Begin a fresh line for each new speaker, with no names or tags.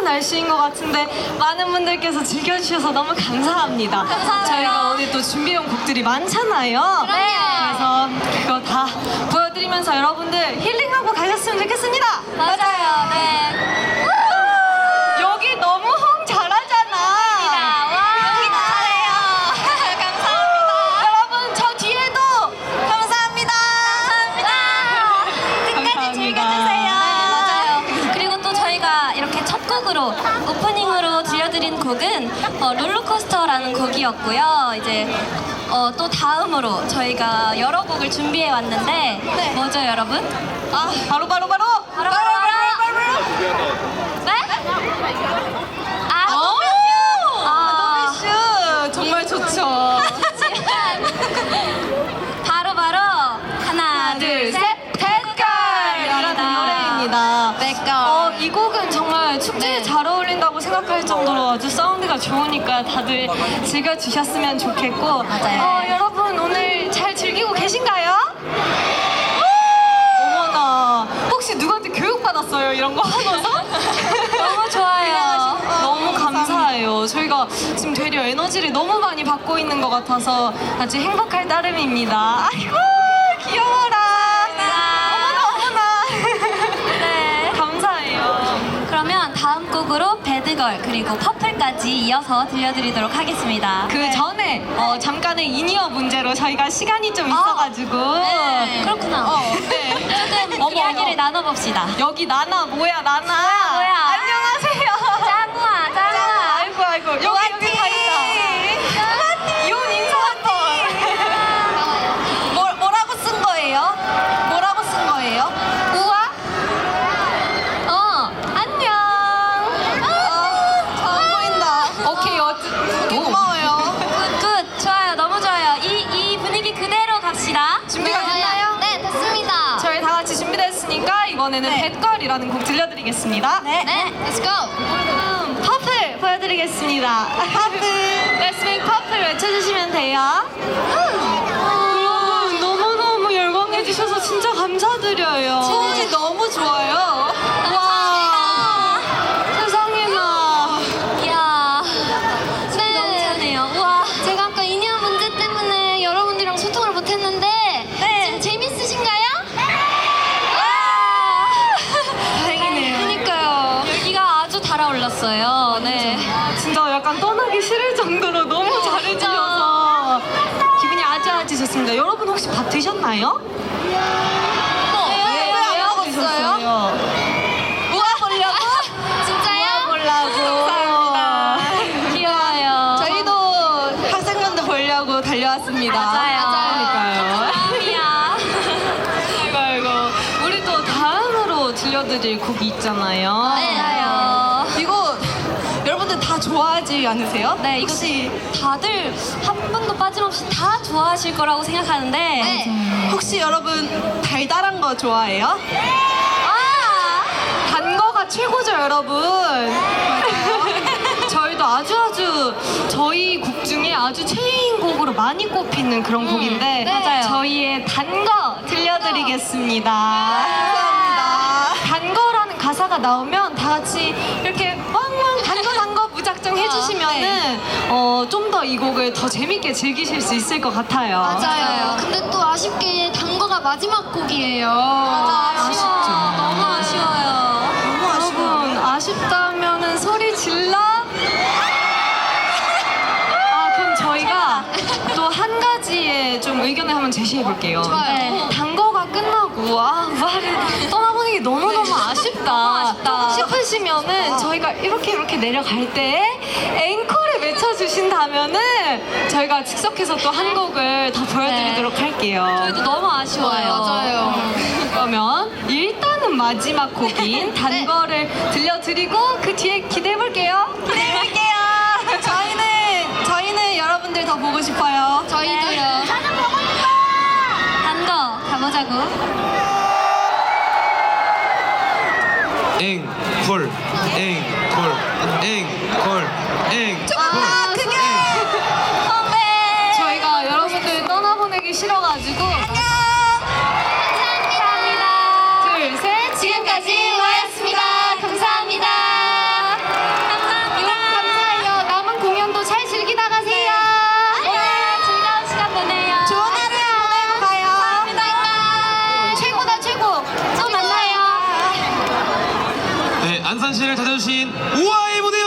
따뜻한 날씨인 것 같은데 많은 분들께서 즐겨주셔서 너무 감사합니다.
감사합니다.
저희가 오늘 또 준비해온 곡들이 많잖아요.
네.
그래서 그거 다 보여드리면서 여러분들 힐링하고 가셨으면 좋겠습니다.
맞아요. 네.
여기 너무 호응 잘하잖아.
여기도 잘해요. 감사합니다.
여러분 저 뒤에도
감사합니다. 끝까지
감사합니다.
즐겨주세요. 네, 맞아요. 그리고 또 저희가 이렇게 첫 곡으로 오프닝으로 들려드린 곡은 롤러코스터라는 곡이었고요. 이제 또 다음으로 저희가 여러 곡을 준비해 왔는데 뭐죠, 여러분?
바로
바로 네?
노비슈 정말 좋죠.
바로 하나 둘 셋
백걸이라는 노래입니다.
백걸.
이 곡은 정말 축제에
네.
잘 어울린다고 생각할 정도로 아주 사운드가 좋으니까 다들 즐겨주셨으면 좋겠고
맞아요.
여러분 오늘 잘 즐기고 계신가요? 어머나 혹시 누구한테 교육받았어요? 이런 거 하면서?
너무 좋아요.
너무 감사해요. 저희가 지금 되려 에너지를 너무 많이 받고 있는 것 같아서 아주 행복할 따름입니다. 아이고 귀여워라. 어머나.
네.
감사해요.
그러면 다음 곡으로 배드걸 그리고 퍼플까지 이어서 들려드리도록 하겠습니다.
그 전에 잠깐의 인이어 문제로 저희가 시간이 좀 있어가지고
네. 그렇구나.
네.
조금 이야기를 나눠봅시다.
여기 나나 뭐야 나나
뭐야.
안녕하세요.
짱우아.
아이고 여기 다 있다. 이혼 인사 한번.
뭐라고 쓴 거예요? 뭐라고 쓴 거예요? 우아? 안녕.
잘 보인다. 오케이 고마워요.
굿. 좋아요. 너무 좋아요. 이 분위기 그대로 갑시다.
준비가 됐나요?
네, 됐습니다.
저희 다 같이 준비됐으니까 이번에는 백걸이라는 곡 들려드리겠습니다.
네, let's go.
퍼플 보여드리겠습니다. 퍼플. Let's make 퍼플 외쳐주시면 돼요. 여러분 너무너무 열광해주셔서 진짜 감사드려요.
진짜
너무 좋아요. 와 세상에나.
이야. 네. 너무 차네요. 우와. 제가 아까 인이어 문제 때문에 여러분들이랑 소통을 못했는데 지금 재밌으신가요?
다행이네요.
그러니까요. 열기가 아주 달아올랐어요. 네.
진짜 약간 떠나기 싫을 정도로 너무 잘해주셔서 기분이 아주 좋습니다. 여러분 혹시 밥 드셨나요?
왜안
드셨어요?
모아보려고? 진짜요?
보려고. 감사합니다.
귀여워요.
저희도 학생분들 보려고 달려왔습니다. 그러니까요.
마음이야.
아이고. 우리 또 다음으로 들려드릴 곡이 있잖아요.
맞아요.
이거 여러분들 다 좋아하지 않으세요?
네, 이거 다들 한 분도 빠짐없이 다 좋아하실 거라고 생각하는데
혹시 여러분 달달한 거 좋아해요? 단 거가 최고죠, 여러분. 저희도 아주 저희 곡 중에 아주 최애인곡으로 많이 꼽히는 그런 곡인데
맞아요.
저희의 단 거 들려드리겠습니다. 감사합니다. 단 거라는 가사가 나오면 다 같이 이렇게 왕왕 단 거 무작정 해주시면은 좀 더 이 곡을 더 재밌게 즐기실 수 있을 것 같아요.
맞아요. 근데 또 아쉽게 단거가 마지막 곡이에요.
아쉽죠.
너무 아쉬워요.
여러분 아쉽다면은 소리 질러? 그럼 저희가 또 한 가지의 좀 의견을 한번 제시해 볼게요.
좋아요.
단거가 끝나고 우아를 떠나보는 게 너무너무 아쉽다 싶으시면은 저희가 이렇게 내려갈 때 앵콜을 외쳐주신다면은 저희가 즉석해서 또 한 곡을 더 보여드리도록 할게요.
저희도 너무 아쉬워요.
맞아요.
그러면 일단은 마지막 곡인 단거를 들려드리고 그 뒤에 기대해볼게요. 저희는 여러분들 더 보고 싶어요.
저희도요.
단거 가보자고.
앵콜
저희가 여러분들 떠나보내기 싫어가지고
감사합니다.
둘, 셋
지금까지 와였습니다. 감사합니다.
대잔치를 찾아주신 우아의 무대